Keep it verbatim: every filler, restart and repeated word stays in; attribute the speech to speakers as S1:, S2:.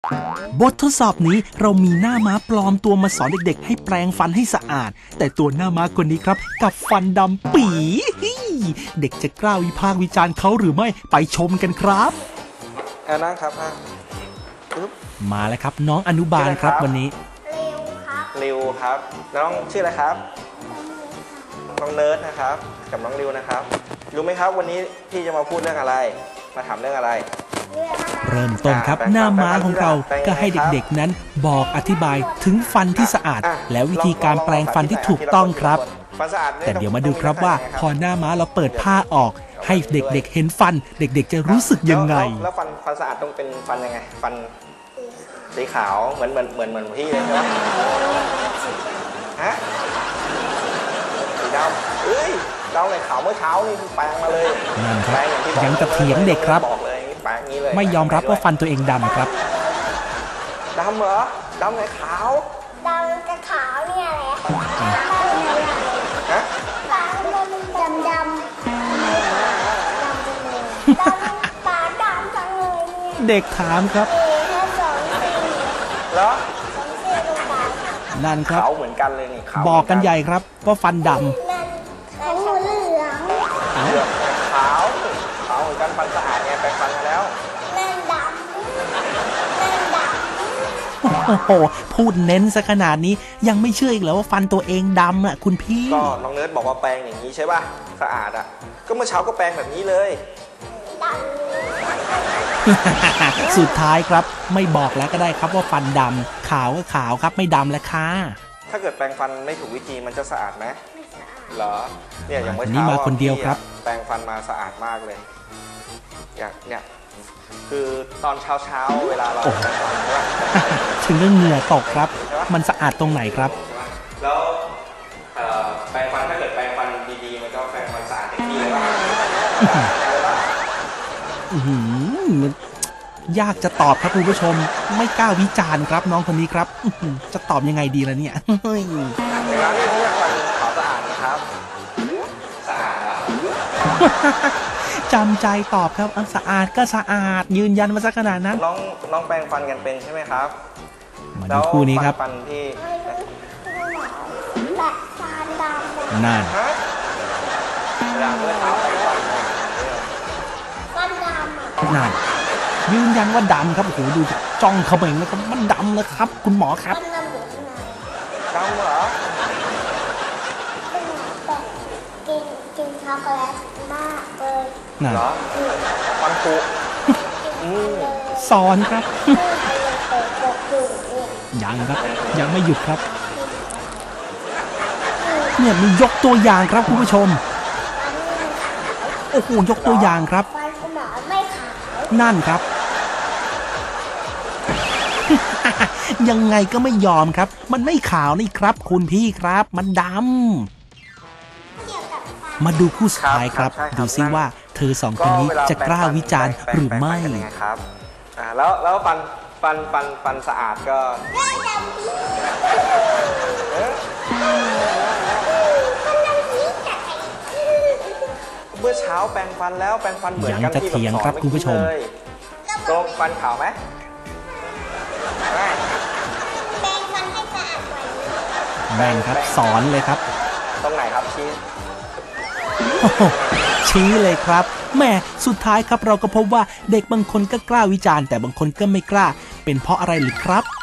S1: บททดสอบนี้เรามีหน้าม้าปลอมตัวมาสอนเด็กๆให้แปรงฟันให้สะอาดแต่ตัวหน้าม้าคนนี้ครับกับฟันดำปี๋เด็กจะกล้าวิพากษ์วิจารณ์เขาหรือไม่ไปชมกันครับ
S2: เอานั่งครับอ่ะ
S1: มาแล้วครับน้องอนุบาลครับวันนี้
S2: ริวครับน้องชื่ออะไรครับน้องเนิร์ดนะครับกับน้องริวนะครับรู้ไหมครับวันนี้พี่จะมาพูดเรื่องอะไรมาถามเรื่องอะไร
S1: เริ่มต้นครับหน้าม้าของเราก็ให้เด็กๆนั้นบอกอธิบายถึงฟันที่สะอาดและวิธีการแปรงฟันที่ถูกต้องครับแต่เดี๋ยวมาดูครับว่าพอหน้าม้าเราเปิดผ้าออกให้เด็กๆเห็นฟันเด็กๆจะรู้สึกยังไง
S2: แล้วฟันฟันสะอาดต้องเป็นฟันยังไงฟันสีขาวเหมือนเหมือนเหมือนเหมือนพี่เลยใช่ไหมฮะสีดำเอ้ยดำเลยขาวเมื่อเช้านี่คือแปรงมาเลย
S1: นั่นครับยังจะเถียงเด็กครับไม่ยอมรับว่าฟันตัวเองดำครับ
S2: ดำเหรอดำไหนขาว
S3: ดำกับขาวเนี่ยแหละ
S2: ฮะ
S3: ดำดำดำดำปากดำจังเลยเนี่ย
S1: เด็กถามครับ
S2: เหรอ
S1: นั่นครับ
S2: ขาวเหมือนกันเลยนี่
S1: บอกกันใหญ่ครับว่าฟันดำ
S3: ขาวเหลือง
S2: เหลืองขาวขาวเหมือนกันฟันสะอาดเนี่ยแปรงฟันมาแล้ว
S3: นั่นดำนั่นดำ
S1: โอ้โหพูดเน้นซะขนาดนี้ยังไม่เชื่ออีกเหรอว่าฟันตัวเองดำอ่ะคุณพี่
S2: ก็น้องเนิร์ดบอกว่าแปรงอย่างนี้ใช่ป่ะสะอาดอ่ะก็เมื่อเช้าก็แปรงแบบนี้เลย
S1: สุดท้ายครับไม่บอกแล้วก็ได้ครับว่าฟันดำขาวก็ขาวครับไม่ดำแล้วค่ะ
S2: ถ้าเกิดแปรงฟันไม่ถูกวิธีมันจะสะอาดไหม
S3: ไม่สะอาด
S2: เหรอเนี่ยอย่างเมื่อเช้า
S1: นี่มาคนเดียวครับ
S2: แปรงฟันมาสะอาดมากเลยอย่างเนี่ยคือตอนเช้าเช้าเวลาเราแปรงฟันใช่ไหม
S1: ถึงเรื่องเหงื่อตกครับมันสะอาดตรงไหนครับ
S2: แล้วแปรงฟันถ้าเกิดแปรงฟันดีๆมันก็แปรงฟันสะอาดเต็มที่เลยว่
S1: ายากจะตอบครับคุณผู้ชมไม่กล้าวิจารณ์ครับน้องคนนี้ครับจะตอบยังไงดีล่ะเนี่ย
S2: ในร้านนี้เขาอยากฟันขาวสะอาดนะครับสะอาดอ่ะ
S1: จำใจตอบครับสะอาดก็สะอาดยืนยันมาสักขนาดนั้น
S2: น้องน้องแปรงฟันกันเป็นใช่ไหมครับ
S1: มาดูคู่นี้ครับ
S2: ฟันที่
S3: แบบฟันดำ
S1: นั่น
S2: เวลาเมื่อเช้าแปรงฟัน
S3: ฟันดำ
S1: นั่นยืนยันว่าดำครับโอ้โหดูจ้องเขาเองนะครับมันดำเลยครับคุณหมอครับ
S2: ดำเหรอ
S3: กินกินช็อกโกแลตมากเลย
S1: เหรอ
S2: ฟันผุ
S1: สอนครับยังครับยังไม่หยุดครับเนี่ยมียกตัวอย่างครับคุณผู้ชมโอ้โหยกตัวอย่างครับนั่นครับยังไงก็ไม่ยอมครับมันไม่ขาวนี่ครับคุณพี่ครับมันดำมาดูคู่สุดท้ายครับดูซิว่าเธอสองคนนี้จะกล้าวิจารณ์หรือไม่
S2: ครับอ่าแล้วแล้วฟันฟันฟันฟันสะอาดก็เมื่อเช้าแปรงฟันแล้วแปรงฟันเหมือนกันที่
S1: เถียงครับคุณผู้ชม
S2: ตรงฟันขาวไหม
S3: แปรงฟันให้สะอาดกว่านี้
S1: แม่งครับสอนเลยครับ
S2: ตรงไหนครับชี้
S1: ชี้เลยครับแม่สุดท้ายครับเราก็พบว่าเด็กบางคนก็กล้าวิจารณ์แต่บางคนก็ไม่กล้าเป็นเพราะอะไรหรือครับ